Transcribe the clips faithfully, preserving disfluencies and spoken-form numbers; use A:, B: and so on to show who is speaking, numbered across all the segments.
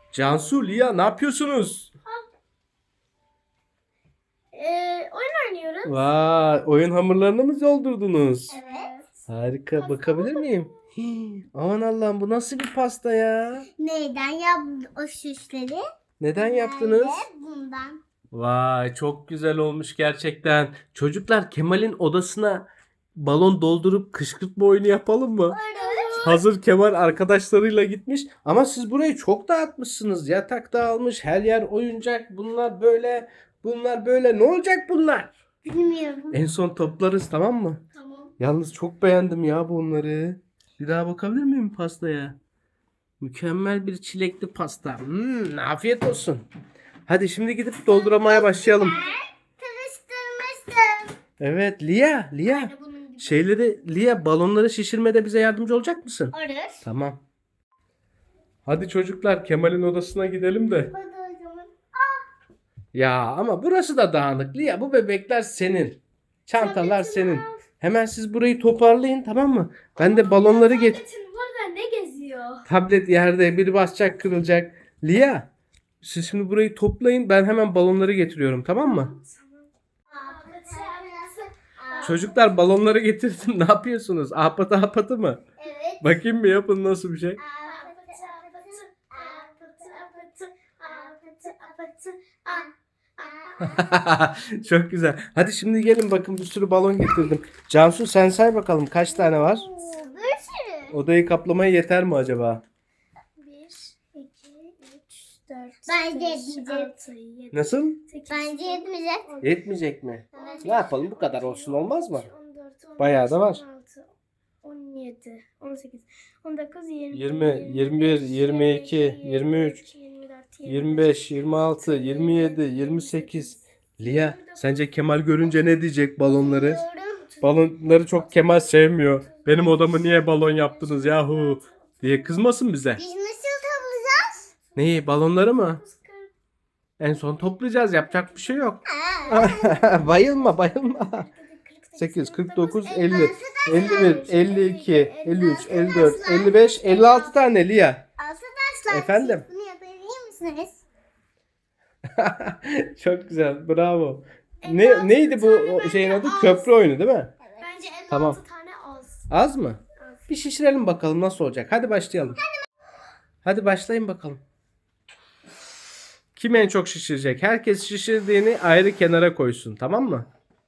A: Cansu, Lia ne yapıyorsunuz?
B: Ee, oyun oynuyoruz.
A: Vay, oyun hamurlarını mı doldurdunuz?
B: Evet.
A: Harika,
B: Pasta
A: bakabilir
B: mı?
A: miyim? Hii, aman Allah'ım, bu nasıl bir pasta ya?
B: Neyden yaptın o süsleri?
A: Neden yaptınız?
B: Nerede? Bundan.
A: Vay, çok güzel olmuş gerçekten. Çocuklar, Kemal'in odasına balon doldurup kışkırtma oyunu yapalım mı?
B: Evet.
A: Hazır Kemal arkadaşlarıyla gitmiş ama siz burayı çok dağıtmışsınız. Yatak dağılmış, her yer oyuncak. Bunlar böyle, bunlar böyle. Ne olacak bunlar?
B: Bilmiyorum.
A: En son toplarız, tamam mı?
B: Tamam.
A: Yalnız çok beğendim ya bunları. Bir daha bakabilir miyim pastaya? Mükemmel bir çilekli pasta. Hmm, afiyet olsun. Hadi şimdi gidip dolduramaya başlayalım.
B: Karıştırmıştım.
A: Evet, Lia, Lia.
B: Aynı bunun gibi.
A: Şeyleri, Lia, balonları şişirmede bize yardımcı olacak mısın?
B: Olur.
A: Tamam. Hadi çocuklar, Kemal'in odasına gidelim de.
B: Hadi o zaman.
A: Ya ama burası da dağınık. Lia, bu bebekler senin. Çantalar
B: Tabletini
A: senin.
B: al.
A: Hemen siz burayı toparlayın, tamam mı? Ben de balonları get.
B: Tabletin burada ne geziyor?
A: Tablet yerde, biri basacak, kırılacak. Lia, siz şimdi burayı toplayın. Ben hemen balonları getiriyorum, tamam mı? Çocuklar, balonları getirdim. Ne yapıyorsunuz? Ahpatı ahpatı mı?
B: Evet.
A: Bakayım bir, yapın nasıl bir şey.
B: Apatı apatı apatı apatı apatı apatı apatı.
A: Çok güzel. Hadi şimdi gelin, bakın bir sürü balon getirdim. Cansu, sen say bakalım kaç tane var?
B: Bir sürü.
A: Odayı kaplamaya yeter mi acaba?
B: Bir, iki, üç, dört, Bence yetmeyecek.
A: Nasıl?
B: Bence yetmeyecek.
A: Yetmeyecek mi?
B: Evet.
A: Ne yapalım, bu kadar olsun, olmaz mı?
B: on dört, on beş,
A: Bayağı da var.
B: on altı, on yedi, on sekiz, on dokuz, yirmi,
A: yirmi, yirmi bir, yirmi iki, yirmi üç,
B: yirmi dört,
A: yirmi beş, yirmi altı, yirmi yedi, yirmi sekiz. Lia, sence Kemal görünce ne diyecek balonları? Balonları çok Kemal sevmiyor. Benim odamı niye balon yaptınız yahu diye kızmasın bize.
B: Biz nasıl toplayacağız?
A: Neyi, balonları mı? En son toplayacağız, yapacak bir şey yok. Bayılma bayılma. sekiz, kırk dokuz, elli, elli bir, elli iki, elli üç, elli dört, elli beş, elli altı tane Lia.
B: Arkadaşlar
A: Efendim?
B: siz bunu yapabilir misiniz?
A: Çok güzel, bravo. Ne neydi bu o şeyin adı? Köprü oyunu değil mi?
B: Bence elli
A: Tamam.
B: altı tane az.
A: Az mı? Bir şişirelim bakalım nasıl olacak. Hadi başlayalım. Hadi başlayın bakalım. Kim en çok şişirecek? Herkes şişirdiğini ayrı kenara koysun, tamam mı?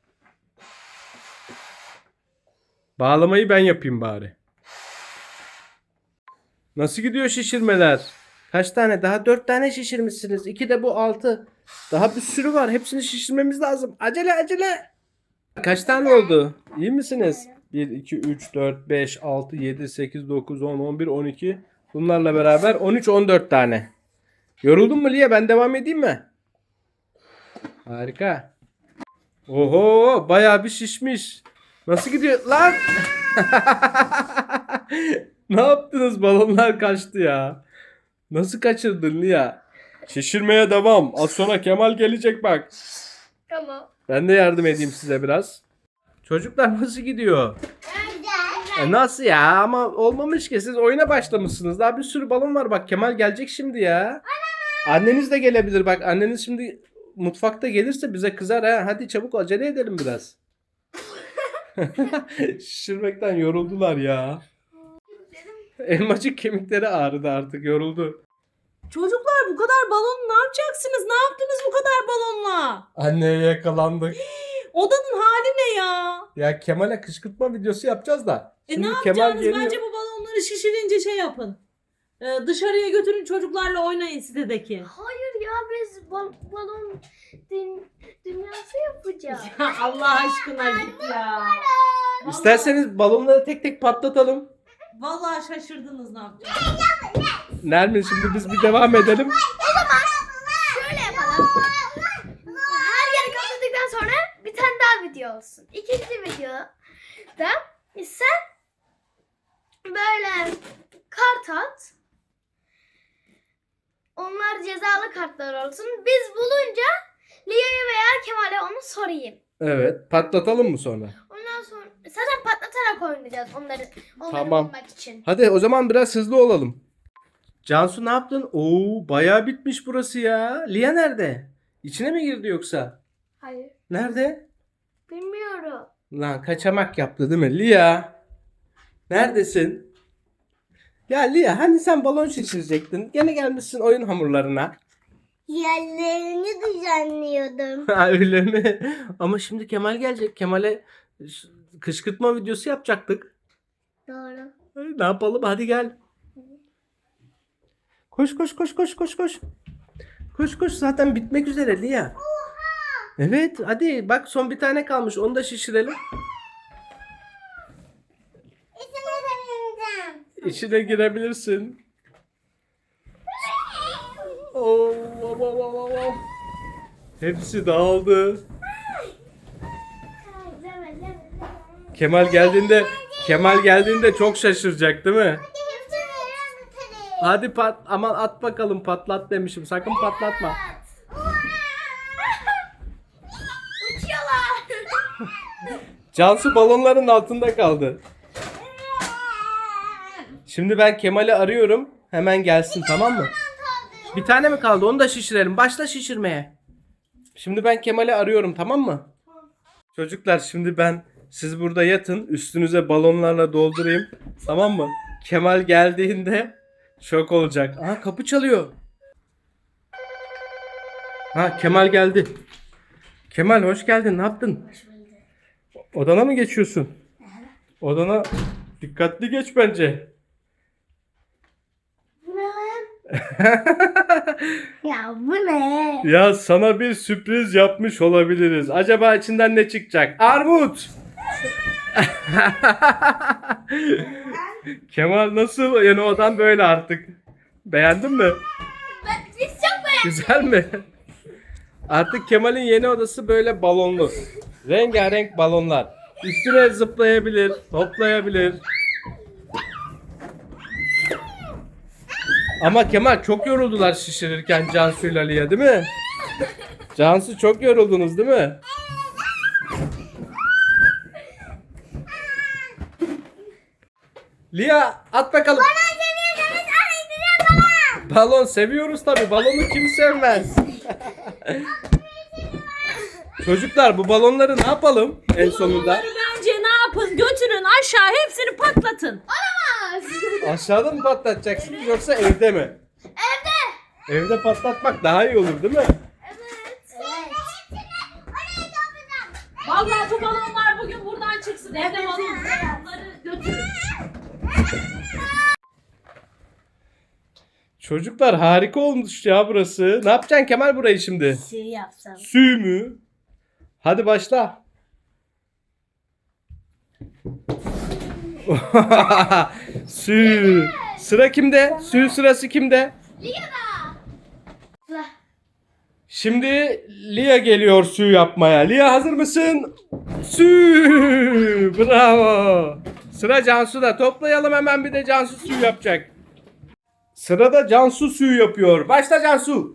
A: Bağlamayı ben yapayım bari. Nasıl gidiyor şişirmeler? Kaç tane? Daha dört tane şişirmişsiniz. İki de bu altı. Daha bir sürü var. Hepsini şişirmemiz lazım. Acele acele. Kaç tane oldu? İyi misiniz? bir, iki, üç, dört, beş, altı, yedi, sekiz, dokuz, on, on bir, on iki. Bunlarla beraber on üç, on dört tane. Yoruldun mu Lia? Ben devam edeyim mi? Harika. Oho, bayağı bir şişmiş. Nasıl gidiyor lan? Ne yaptınız? Balonlar kaçtı ya. Nasıl kaçırdın Lia? Şişirmeye devam. Az sonra Kemal gelecek bak.
B: Tamam.
A: Ben de yardım edeyim size biraz. Çocuklar nasıl gidiyor?
B: Güzel.
A: E nasıl ya? Ama olmamış ki. Siz oyuna başlamışsınız. Daha bir sürü balon var. Bak Kemal gelecek şimdi ya. Anneniz de gelebilir. Bak anneniz şimdi mutfakta gelirse bize kızar ha. Hadi çabuk acele edelim biraz. Şişirmekten yoruldular ya. Elmacık kemikleri ağrıdı artık. Yoruldu.
C: Çocuklar bu kadar balon ne yapacaksınız? Ne yaptınız bu kadar balonla?
A: Anneye yakalandık.
C: Odanın hali ne ya?
A: Ya Kemal'e kışkırtma videosu yapacağız da.
C: E
A: Şimdi
C: ne
A: Kemal
C: yapacaksınız?
A: geliyor.
C: Bence bu balonları şişirince şey yapın. Ee, dışarıya götürün çocuklarla oynayın sitedeki.
B: Hayır ya biz bal- balon dün- dünyası yapacağız.
C: Ya Allah aşkına git ya.
A: İsterseniz balonları tek tek patlatalım.
C: Vallahi şaşırdınız ne yapacaksınız.
A: Nermin, şimdi biz bir devam edelim.
B: Şöyle yapalım. Her yeri kapladıktan sonra bir tane daha video olsun. İkinci videoda sen böyle kart at. Onlar cezalı kartlar olsun. Biz bulunca Lia'ya veya Kemal'e onu sorayım.
A: Evet, patlatalım mı sonra?
B: Ondan sonra zaten patlatarak oynayacağız onları, onları
A: Tamam.
B: bulmak için.
A: Hadi o zaman biraz hızlı olalım. Cansu ne yaptın? Oo, bayağı bitmiş burası ya. Lia nerede? İçine mi girdi yoksa?
B: Hayır.
A: Nerede?
B: Bilmiyorum.
A: Lan kaçamak yaptı değil mi? Lia. Neredesin? Ya Lia hani sen balon şişirecektin. Gene gelmişsin oyun hamurlarına.
B: Yerlerini düzenliyordum.
A: Ha, öyle mi? Ama şimdi Kemal gelecek. Kemal'e ş- kışkırtma videosu yapacaktık.
B: Doğru.
A: Ne yapalım? Hadi gel. Koş koş koş koş koş koş. Koş koş zaten bitmek üzere Lia. Evet hadi bak son bir tane kalmış. Onu da şişirelim.
B: İçine deneyeceğim.
A: İçine girebilirsin. Oo, oo, oo, oo, oo. Hepsi dağıldı. Kemal geldiğinde Kemal geldiğinde çok şaşıracak değil mi? Hadi pat aman at bakalım patlat demişim. Sakın patlatma.
B: Uçuyorlar.
A: Cansu balonların altında kaldı. Şimdi ben Kemal'i arıyorum. Hemen gelsin tamam mı? Bir tane mi kaldı? Onu da şişirelim. Başla şişirmeye. Şimdi ben Kemal'i arıyorum tamam mı? Çocuklar şimdi ben siz burada yatın. Üstünüze balonlarla doldurayım. Tamam mı? Kemal geldiğinde şok olacak. Aha kapı çalıyor. Ha Kemal geldi. Kemal hoş geldin. Ne yaptın? Odana mı geçiyorsun? Odana dikkatli geç bence.
B: Ya bu ne?
A: Ya sana bir sürpriz yapmış olabiliriz. Acaba içinden ne çıkacak? Armut! Kemal nasıl? Yani odan böyle artık. Beğendin mi?
B: Ben, biz çok beğendik.
A: Güzel mi? Artık Kemal'in yeni odası böyle balonlu. Rengarenk balonlar. Üstüne zıplayabilir, hoplayabilir. Ama Kemal çok yoruldular şişirirken Cansu ile Lia değil mi? Cansu çok yoruldunuz değil mi? Lia at bakalım. Balon seviyoruz tabi. Balonu kim sevmez? Çocuklar bu balonları ne yapalım en sonunda?
C: Bunları bence ne yapın? Götürün aşağı hepsini patlatın.
B: Olamaz.
A: Aşağıda mı patlatacaksınız yoksa evde mi?
B: Evde.
A: Evde patlatmak daha iyi olur değil mi?
B: Evet. Evet. Oraya toplayacağım.
C: Vallahi bu balonlar bugün buradan çıksın. Evde balonları götürün.
A: Çocuklar harika olmuş ya burası. Ne yapacaksın Kemal burayı şimdi?
B: Şey yapsam.
A: Sü mü? Hadi başla. Sü. Sıra kimde? Sü sırası kimde?
B: Lia'da.
A: Şimdi Lia geliyor sü yapmaya. Lia hazır mısın? Sü. Bravo. Sıra Cansu'da. Toplayalım hemen bir de Cansu sü yapacak. Sırada Cansu sü yapıyor. Başla Cansu.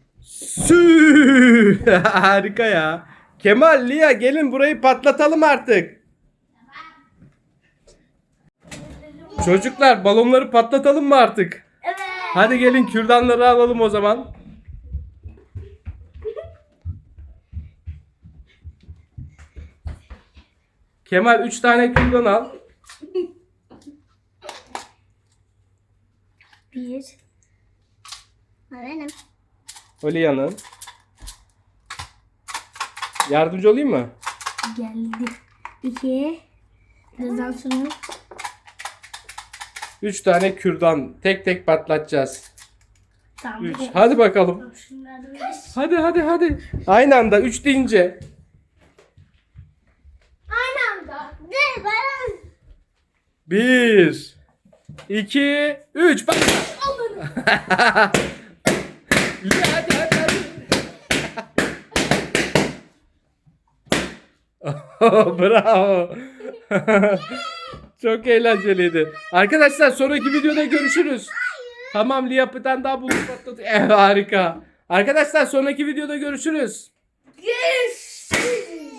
A: Sü. Harika ya. Kemal, Lia gelin burayı patlatalım artık. Çocuklar balonları patlatalım mı artık?
B: Evet.
A: Hadi gelin kürdanları alalım o zaman. Kemal üç tane kürdan al.
B: Bir. Ha, benim.
A: O Lia'nın. Yardımcı olayım mı?
B: Geldi. İki. Birazdan sonra.
A: Üç tane kürdan. Tek tek patlatacağız.
B: Tamam.
A: Üç. Hadi bakalım.
B: Şunları
A: Hadi hadi hadi. Aynı anda üç deyince.
B: aynı anda. Dur ben.
A: Bir. iki, üç. Bak. Lia hadi hadi hadi. Oh, bravo. Çok eğlenceliydi. Arkadaşlar sonraki videoda görüşürüz. Tamam Lia bir tane daha bulup patladı. Eh, harika. Arkadaşlar sonraki videoda görüşürüz.
B: Görüşürüz.